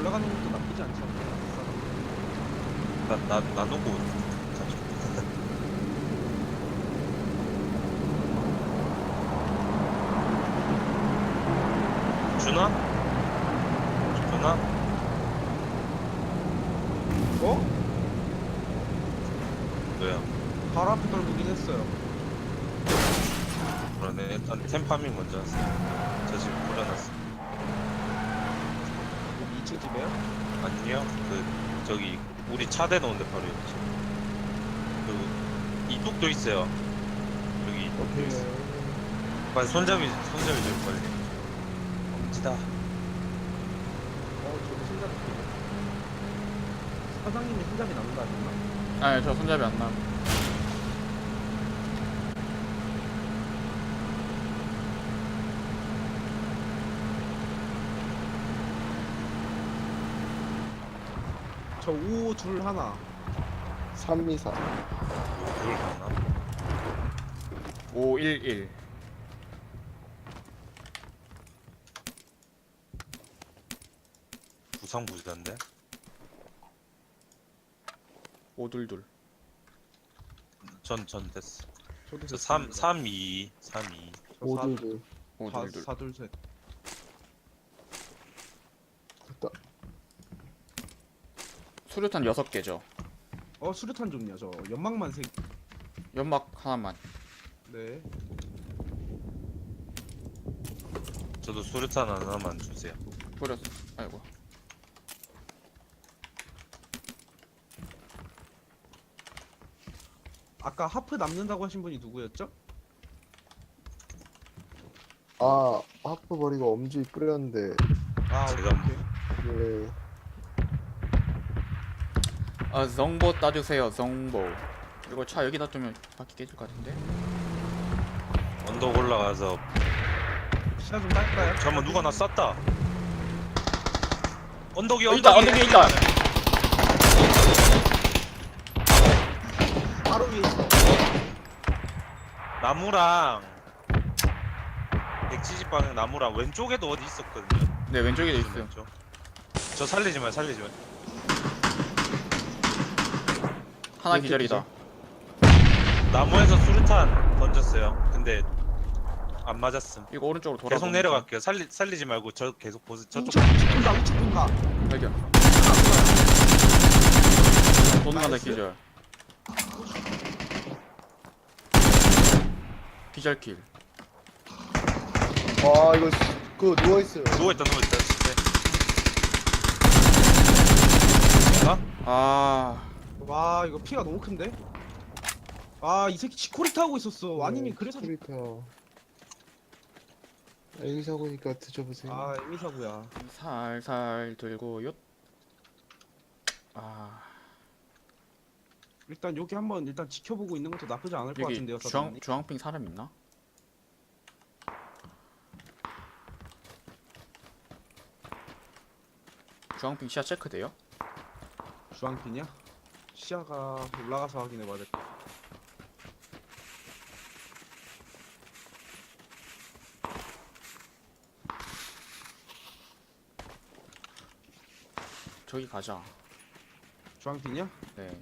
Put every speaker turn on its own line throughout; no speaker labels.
올라가는 것도 나쁘지 않지 않나?
나누고 가죠. 주나? 주나?
어?
뭐야?
바로 앞에 떨구긴 했어요.
그러네. 일단 템파밍 먼저 하세요. 저 지금 뿌려놨어.
여기 2층 집에요?
아니요? 저기 우리 차 대놓은 데 바로 있지. 그리고 이쪽도 있어요. 여기 이쪽도 있어. 빨리 손잡이 좀 빨리. 엄지다.
저도 손잡이. 사장님이 손잡이 나눈다 하셨나?
아니 저 손잡이 안 나.
저 5, 둘, 하나.
324.
그걸 봤나?
511.
부상부자인데?
522.
전 됐어.
저도
저
됐습니다.
3-2.
저
522.
522.
4, 둘, 셋.
됐다.
수류탄 6개죠.
수류탄 좀요. 저 연막만 세.
연막 하나만.
네.
저도 수류탄 하나만 주세요.
뿌렸어. 아이고.
아까 하프 남는다고 하신 분이 누구였죠?
아, 하프 버리고 엄지 뿌렸는데,
제가
오케이.
예,
정보 따주세요. 정보. 이거 차 여기다 두면 바퀴 깨질 것 같은데.
언덕 올라가서
시야 좀 딸까요?
잠깐만 누가 나 쐈다. 언덕이
있다. 언덕에 있다.
바로 위에 있어.
나무랑 170방향 나무랑 왼쪽에도 어디 있었거든요.
네 왼쪽에도 있어요.
왼쪽. 저 살리지 마.
하나
왼쪽
기절이다.
나무에서 수류탄 던졌어요. 근데 안 맞았음.
이거 오른쪽으로 돌아.
계속 내려갈게요. 살리지 말고 저 계속 보세요. 저쪽.
우측 돈다. 우측 돈다.
발견. 도망간다
나이스.
기절. 기절킬.
아, 이거, 그거 누워있어요.
누워있다.
아
와 이거 피가 너무 큰데? 이 새끼 치코리타 하고 있었어. 와니님 그래서
스리터. 애기 사고니까 드셔보세요.
에미사구야.
살살 들고 요. 아
일단 여기 한번 일단 지켜보고 있는 것도 나쁘지 않을 것
여기
같은데요, 사장님.
주황핑 사람 있나? 주황핑 시야 체크돼요?
주황핀이야? 시야가 올라가서 확인해봐야 될 것.
저기 가자.
주황핀이야?
네.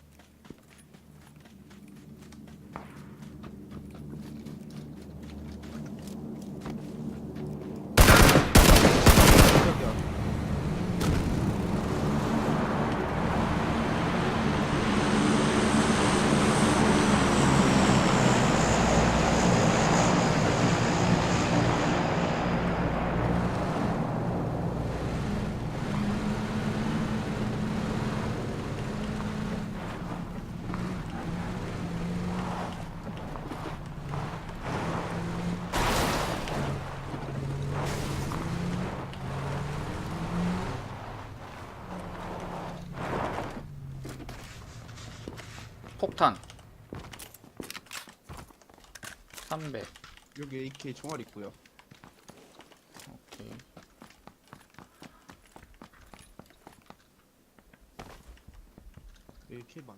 여기야.
폭탄 300.
여기 AK 총알 있고요.
오케이.
AK 만.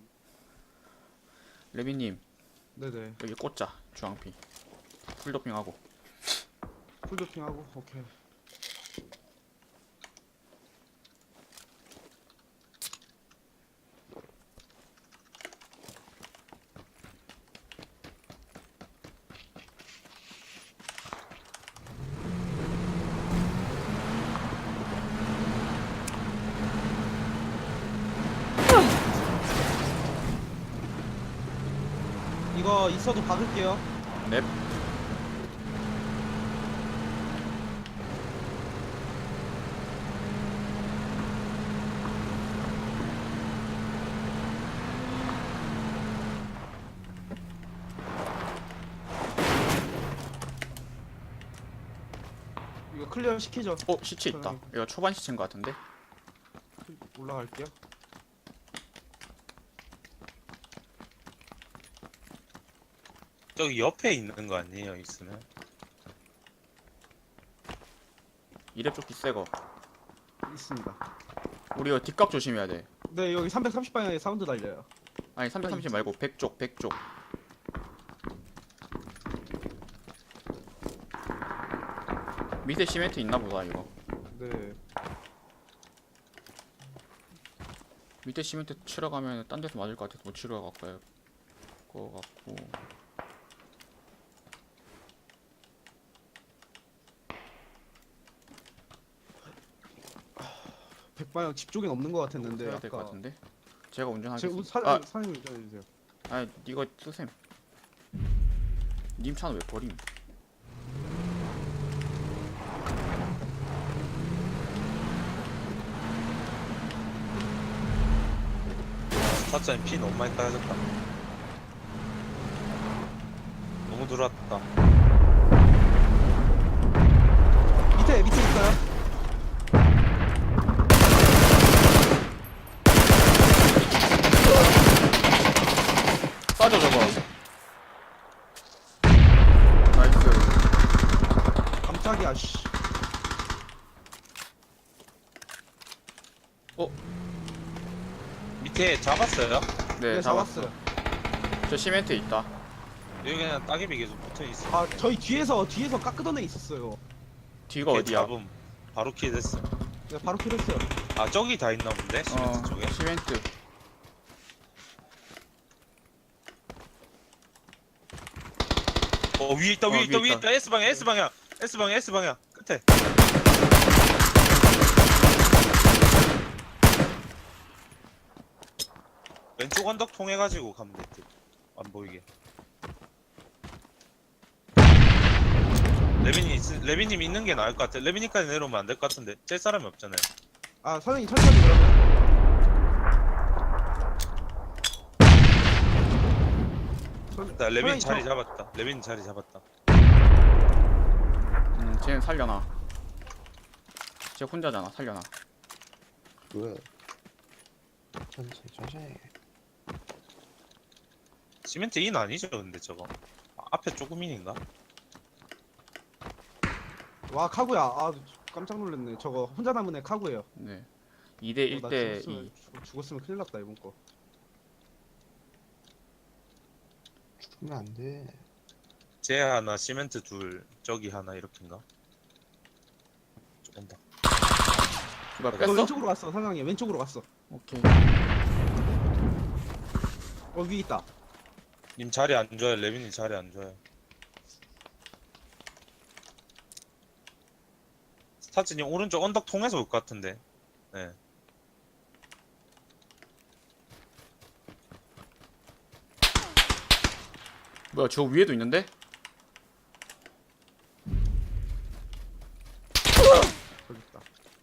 레비님
네네.
여기 꽂자. 주황핑 풀도핑하고.
풀도핑하고 오케이. 이거 있어도 박을게요.
넵.
이거 클리어 시키죠.
시체 있다. 이거 초반 시체인 것 같은데.
올라갈게요.
저기 옆에 있는 거 아니에요? 있으면.
이랩 조끼 새거.
있습니다.
우리 이거 뒷각 조심해야 돼.
네, 여기 330방향에 사운드 달려요.
아니 330 말고 100쪽 100쪽. 밑에 시멘트 있나 보다 이거.
네.
밑에 시멘트 치러 가면 딴 데서 맞을 것 같아서 못 치러 갈까요? 거 같고.
백방향 집 쪽엔 없는 것 같았는데.
해야 될 것
아까
같은데. 제가
제
운전하겠습니다.
사장님 운전해 주세요.
아니 이거 쓰셈. 님 차는 왜 버림?
사장님 피 너무 많이 까졌다. 너무 들어왔다.
밑에 있어요.
빠져 저거. 나이스.
깜짝이야. 씨.
밑에 잡았어요?
네,
네,
잡았어. 저 시멘트 있다.
여기 그냥 따개비 계속 붙어 있어.
아, 저희 뒤에서 깎으던 애 있었어요.
뒤가 어디야?
잡음 바로 킬 됐어.
네, 바로 킬했어요.
아 저기 다 있나 본데? 시멘트 쪽에?
시멘트.
위에 있다 위에
위에
있다 위에
있다.
있다 S방향 S방향 S방향 S방향 끝에. 왼쪽 언덕 통해가지고 가면 돼. 안 보이게. 레빈님 있는 게 나을 것 같아. 레빈님까지 내려오면 안 될 것 같은데. 쟤 사람이 없잖아요.
아, 사장님 천천히 그러면.
나 레빈
사장님,
자리 잡았다. 레빈 자리 잡았다.
쟤는 살려놔. 쟤 혼자잖아. 살려놔.
왜? 천천히.
시멘트 인 아니죠 근데 저거. 앞에 조금인인가?
와, 카구야. 아, 깜짝 놀랐네. 저거 혼자 남은 애 카구예요.
네. 2대
나
1대 2.
죽었으면 큰일 났다, 이번 거.
죽으면 안 돼.
쟤 하나 시멘트 둘 저기 하나 이렇게인가? 조금 더.
이거
너
뺐어?
왼쪽으로 갔어, 사장님. 왼쪽으로 갔어.
오케이.
위에 있다.
님 자리 안 좋아요. 레빈님 자리 안 좋아요. 스타츠님 오른쪽 언덕 통해서 올 것 같은데. 네.
뭐야 저 위에도 있는데?
저기 있다.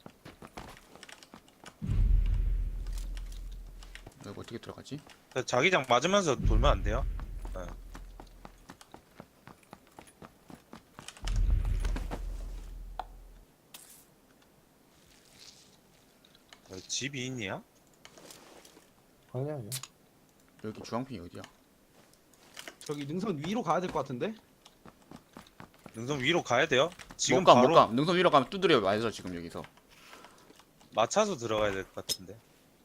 이거 어떻게 들어가지?
자기장 맞으면서 돌면 안 돼요? 네. 집이 있냐?
아니야.
여기 주황핑이 어디야?
저기 능선 위로 가야 될 것 같은데?
능선 위로 가야 돼요? 지금
못 가,
바로
못 가. 능선 위로 가면 두드려 맞아 지금 여기서.
맞춰서 들어가야 될 것 같은데.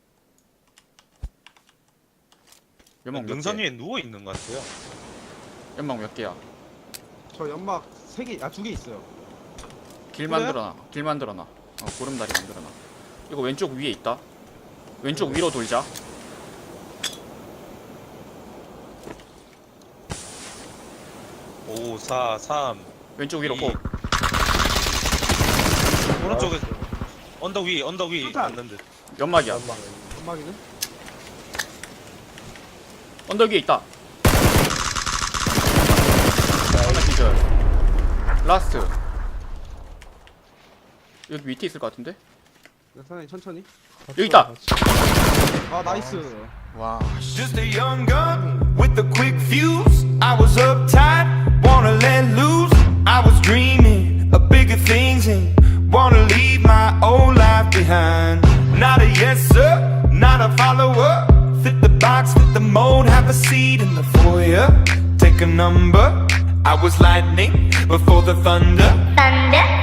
연막 몇
능선
개?
위에 누워 있는 것 같아요.
연막 몇 개야?
저 연막 3개, 2개 있어요.
길
그래요?
만들어놔. 길 만들어놔. 고름다리 만들어놔. 이거 왼쪽 위에 있다. 왼쪽 위로 돌자.
오, 4, 3.
왼쪽 위로
이.
꼭.
오른쪽에 언덕 위
수탄.
맞는 듯.
연막이야.
연막이는?
언덕 위에 있다. 라스트. 여기 밑에 있을 것 같은데?
사장님 천천히.
여기 있다.
아 나이스.
와.
Just a young gun with a quick fuse. I was uptight, wanna let loose. I was dreaming of bigger things and wanna leave my old life behind. Not a yes sir, not a follower. Fit the box, fit the mold, have a seat in the foyer. Take a number. I was lightning before the thunder.